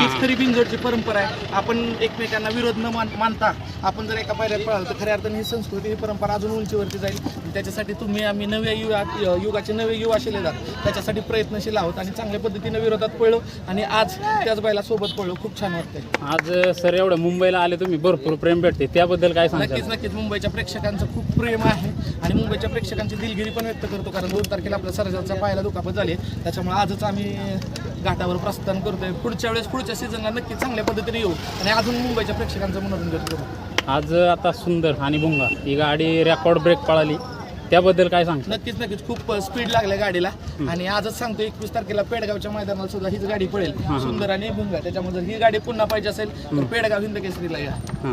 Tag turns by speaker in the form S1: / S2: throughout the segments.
S1: हीच खरी बिनजोडची परंपरा आहे. आपण एकमेकांना विरोध न मानता आपण जर एका पायऱ्यात पळालो तर खऱ्या अर्थाने ही संस्कृती, ही परंपरा अजून उंचीवरती जाईल. त्याच्यासाठी तुम्ही आम्ही नव्या युगाचे नवे युवा शिलेदार त्याच्यासाठी प्रयत्नशील आहोत आणि चांगल्या पद्धतीने विरोधात पळलो आणि आज त्याच बैला सोबत पळलो. खूप छान वाटतंय.
S2: आज सर एवढं मुंबईला आले तुम्ही, भरपूर प्रेम भेटते, त्याबद्दल काय सांगता?
S1: नक्कीच मुंबईच्या प्रेक्षकांचं खूप प्रेम आहे आणि मुंबईच्या प्रेक्षकांची दिलगिरी पण व्यक्त करतो. कारण 2 तारखेला आपल्या सर्जाच्या पायाला दुखापत झाली, त्याच्यामुळे आजच आम्ही घाटावर प्रस्थान करतोय. पुढच्या सीझनला नक्की चांगल्या पद्धतीने येऊ आणि अजून मुंबईच्या प्रेक्षकांचं मनोरंजन करू.
S2: आज आता सुंदर आणि भुंगा ही गाडी रेकॉर्ड ब्रेक पळाली, त्याबद्दल काय सांगता?
S1: नक्कीच खूप स्पीड लागल्या गाडीला आणि आजच सांगतो 21 तारखेला पेडगावच्या मैदानाला सुद्धा हीच गाडी पळेल, सुंदर आणि भुंगा. त्याच्यामुळे जर ही गाडी पुन्हा पाहिजे असेल तर पेडगाव हिंद केसरीला या.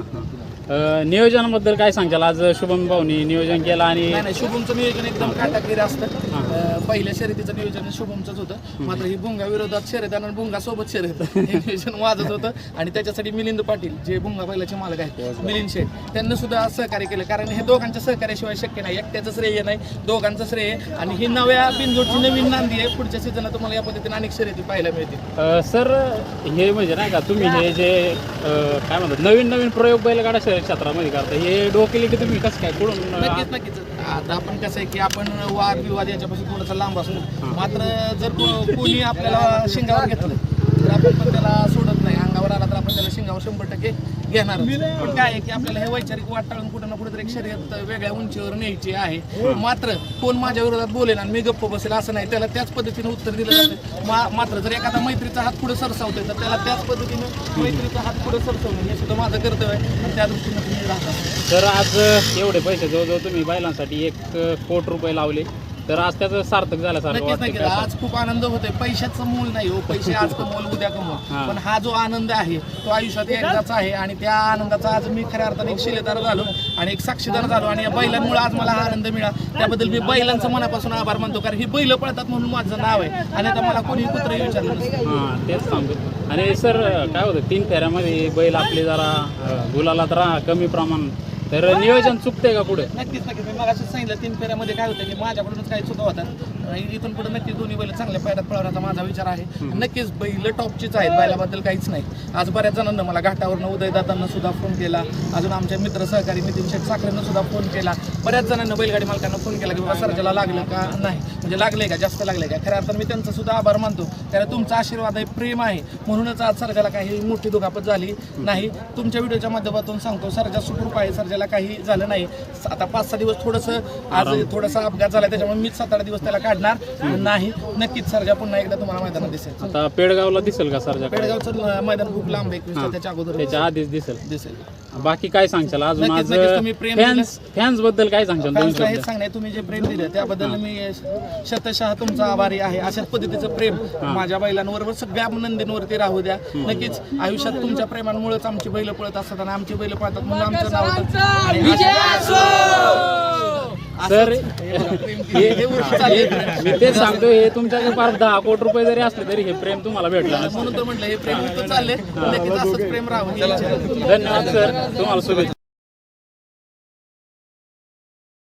S2: नियोजनाबद्दल काय सांगताल? आज शुभम भाऊनी नियोजन केलं आणि
S1: नाही शुभमचं नियोजन एकदम काटाकीर असतं. पहिल्या शर्यतीचं नियोजन शुभमचंच होतं, मात्र ही भुंगा विरोधात शर्यत आणि भुंगा सोबत शर्यत हे नियोजन वाजत होतं आणि त्याच्यासाठी मिलिंद पाटील जे भुंगा बैलाचे मालक आहेत, मिलिंद शेठ, त्यांना सुद्धा सहकार्य केलं. कारण हे दोघांच्या सहकार्याशिवाय शक्य नाही, एकट्याचं श्रेय नाही, दोघांचं श्रेय. आणि ही नव्या बिनजोडची नवीन नांदी आहे. पुढच्या सीझनला तुम्हाला या पद्धतीने अनेक शर्यती पाहायला मिळतील.
S2: सर हे म्हणजे नाही का तुम्ही हे जे काय म्हणतात नवीन प्रयोग बैलगाडा क्षेत्रामध्ये करता, हे डोकेले की तुम्ही कसं काय कुठून?
S1: नक्कीच आता आपण कसं आहे की आपण वाद विवाद याच्यापासून थोडासा लांब असतो, मात्र जर कोणी आपल्याला शिंगावर घेतलं तर आपण पण त्याला सोडत नाही. अंगावर आला तर आपण त्याला शिंगावर 100% घेणार. पण काय आहे की आपल्याला हे वैचारिक वाट टाळून कुठं ना कुठेतरी एक शर्यत वेगळ्या उंचीवर न्यायची आहे. मात्र कोण माझ्या विरोधात बोलेल आणि मी गप्प बसेल असं नाही, त्याला त्याच पद्धतीने उत्तर दिलं जातं. मात्र जर एखादा मैत्रीचा हात पुढे सरसावतोय तर त्याला त्याच पद्धतीने मैत्रीचा हात पुढे सरसावणं हे सुद्धा माझं कर्तव्य आहे आणि त्या दृष्टीने तुम्ही राहता.
S2: तर आज एवढे पैसे जवळजवळ तुम्ही बैलांसाठी 1 कोटी रुपये लावले, तर आज त्याचं सार्थक झाल्यासारखं
S1: नक्कीच
S2: वाटतं.
S1: आज खूप आनंद होतोय. पैशाचं मूल नाही हो, पैसे आज कमवल उद्या कमवल, पण हा जो आनंद आहे तो आयुष्यात एकदाच आहे आणि त्या आनंदाचा आज मी खऱ्या अर्थाने एक शिलेदार झालो आणि एक साक्षीदार झालो आणि या बैलांमुळे आज मला हा आनंद मिळाला. त्याबद्दल मी बैलांचं मनापासून आभार मानतो. कारण ही बैल पळतात म्हणून माझं नाव आहे आणि आता मला कोणी कुत्रही विचारलं नसतं.
S2: तेच सांगतो. आणि सर काय होतं 3 फेऱ्यामध्ये बैल आपले जरा गुलालात कमी प्रमाण, तर नियोजन चुकतंय का पुढे?
S1: नक्कीच मी मगाशीच सांगितलं 3 फेऱ्यामध्ये काय होतं की माझ्याकडूनच काही चुका होतात. इथून पुढे नक्कीच दोन्ही बैल चांगल्या पायऱ्यात पळवण्याचा माझा विचार आहे. नक्कीच बैल टॉपचीच आहेत, बैलाबद्दल काहीच नाही. आज बऱ्याच जणांना मला घाटावरनं उदयदादांना सुद्धा फोन केला, अजून आमच्या मित्र सहकारी नितीन शेठ साखरेंना सुद्धा फोन केला. बऱ्याच जणांना बैलगाडी मालकांना फोन केला की बाबा सर्जाला लागलं का नाही, म्हणजे लागलंय का, जास्त लागलंय का. खऱ्या अर्थानं मी त्यांचा सुद्धा आभार मानतो. कारण तुमचा आशीर्वाद आहे, प्रेम आहे, म्हणूनच आज सर्जाला काही मोठी दुखापत झाली नाही. तुमच्या व्हिडिओच्या माध्यमातून सांगतो सर्जा सुखरूप आहे, सर्जाला काही झालं नाही. आता 5-6 दिवस थोडासा अपघात झाला, त्याच्यामुळे मीच 7-8 दिवस त्याला काढणार नाही. नक्कीच सर्जा पुन्हा एकदा तुम्हाला मैदानात दिसेल.
S2: आता पेडगावला दिसेल का सर्जा?
S1: पेडगावचं मैदान खूप लांब आहे, 21 त्याच्या अगोदर
S2: त्याच्या आधीच दिसेल. बाकी काय सांगशाल अजून? आज
S1: तुम्ही प्रेम
S2: फॅन्स बद्दल काय सांगशाल?
S1: हे सांगणे तुम्ही जे प्रेम दिलं त्याबद्दल मी शतशः तुमचा आभारी आहे. अशाच पद्धतीचं प्रेम माझ्या बैलांवर सगळ्या नंदींवरती राहू द्या. नक्कीच आयुष्यात तुमच्या प्रेमांमुळेच आमची बैल पळत असतात आणि आमची बैल पळतात म्हणून आमचं नाव
S2: सर मी तेच सांगतो, हे तुमच्याकडे 10 कोटी रुपये जरी असले तरी हे प्रेम तुम्हाला भेटलं
S1: म्हणून तर म्हटलं हे प्रेम चालले, नक्कीच असंच प्रेम राहू.
S2: धन्यवाद सर, तुम्हाला शुभेच्छा.